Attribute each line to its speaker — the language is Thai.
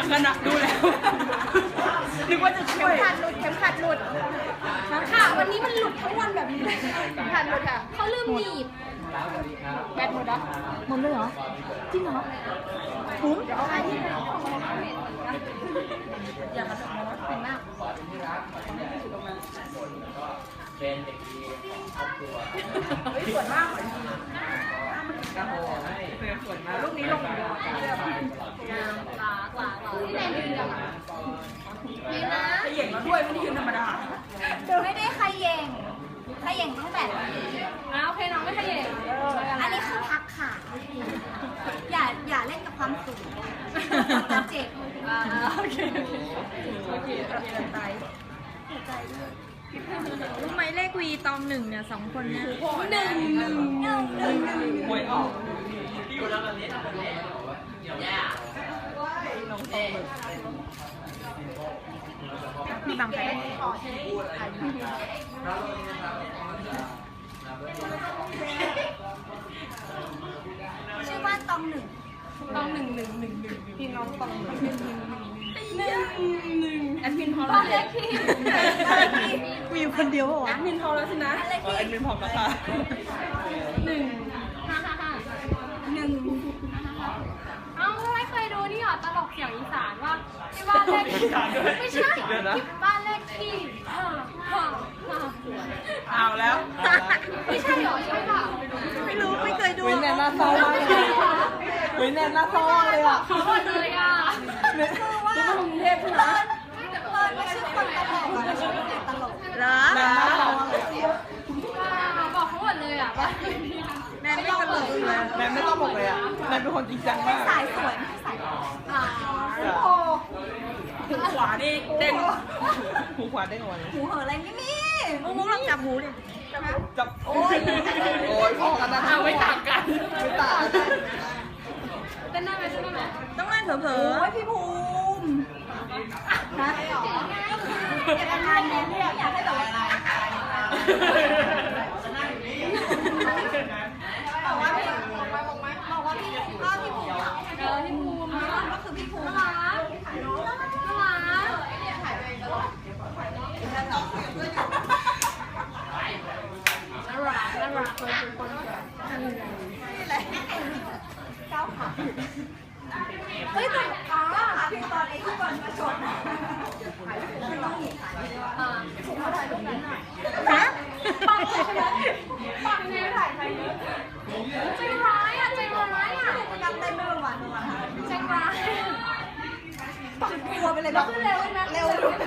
Speaker 1: กันอะดูแล้วนึกว่าจะช่วย
Speaker 2: เข็มขัดหลุดค่ะวันนี้มันหลุดทั้งวันแบบนี้เลยเข็มขัดหลุดค่ะเขาลืมหนีบแบตหมดแล้วหมดเลยเหรอจริงเหรอผมเดี๋ยวเอาไปที่อย่ามาทำนะเป็นมาก
Speaker 3: เป็นเด็กดีของครอบครัว
Speaker 1: สวยมากเลย
Speaker 3: สวยมาก
Speaker 1: ลูกนี้ลงหล
Speaker 2: ากที่แนนยืนกันยืนนะ
Speaker 1: ขย่งแล้วด้วยไม่ได้ยืนธรรมดา
Speaker 2: ไม่ได้ขย่งต้องแบบนี้โอเคน้องไม่ขย่งอันนี้คือพักขาอย่าเล่นกับความสูงจะเจ็บ
Speaker 1: โอเค
Speaker 4: รู้ไหมเลขวีตองหนึ่งเนี่ย2 คนเนี่ย
Speaker 1: หนึ่งหวยออก
Speaker 4: มีบางใคร
Speaker 2: ชื่อว่าตองหนึ่ง
Speaker 1: พี่น้องตองหนึ่งแอดมินพอ
Speaker 2: บ้า
Speaker 1: แล้ว
Speaker 2: นเลขที่
Speaker 4: มีอยู่คนเดียวเหรอ
Speaker 1: แอดมินพอแล้วสินะแอดมินพอแล้วค่ะ1
Speaker 5: เอ้าไม่เคยดูนี่หรอตลกเสียงอีสานว่าที่บ้านเลขที่ไม่ใช่ที่บ้านเลขที่
Speaker 1: เอาแล้ว
Speaker 5: ไม่ใช่หรอใช่ป่ะ
Speaker 4: ไม่รู้ไม่เคยดู
Speaker 1: วินแนนน่าเศร้ามากเลยวินแนนน่าเศร้ามากเลยอ่ะ
Speaker 5: เขาหมดเลยอ่ะ
Speaker 2: คือว่าเปิดไม่ใช่คนตลกไม่ใช่คนตลก
Speaker 4: เหรอ
Speaker 1: แนนน่าเศร้ามากเลย
Speaker 5: บอกเขาหมดเลยอ่ะว่า
Speaker 4: แนนไม่ตลกเลย
Speaker 1: แนนไม่ต้องบอกเลยอ่ะแนนเป็นคนจริงจังมาก
Speaker 2: สายสวยสายโอ้
Speaker 1: หูขวานี่เด้งหูขวาเด้งออกมาเลย
Speaker 2: หูเหออะไรไม่มี
Speaker 4: มุกลองจับหูดิ
Speaker 1: จับโอ้ยพอกันนะไม่ต่างกันไม่ต่างกัน
Speaker 5: เต้นได้ไหม
Speaker 4: ต้องเล่นเผลอ
Speaker 2: โอ้ยพี่ภูมินะเก็บอาการแน่ไม่อยากให้แบบอะไรบอกว่าพี่ก็พี่ภูมิ
Speaker 5: ที่ภูมิ
Speaker 2: ก็คือพี่ภูมิ
Speaker 5: น่ารัก
Speaker 2: ก้าวขาเฮ้ยแต่ขาพี่ตอนไอ้ที่บอลมาชนมันต้องหนีขาถูกเขาถ่ายรูปนั้นหน่อย
Speaker 4: ๆฮะ
Speaker 5: ปังใช่ไหมปังเนี่ยถ่ายใครใจร้ายอ่ะใจร้ายอ่ะ
Speaker 2: กำเต้นไม่วัน
Speaker 5: ใจร้าย
Speaker 2: ปังกลัวไปเลยแบบเร็วนะเร็ว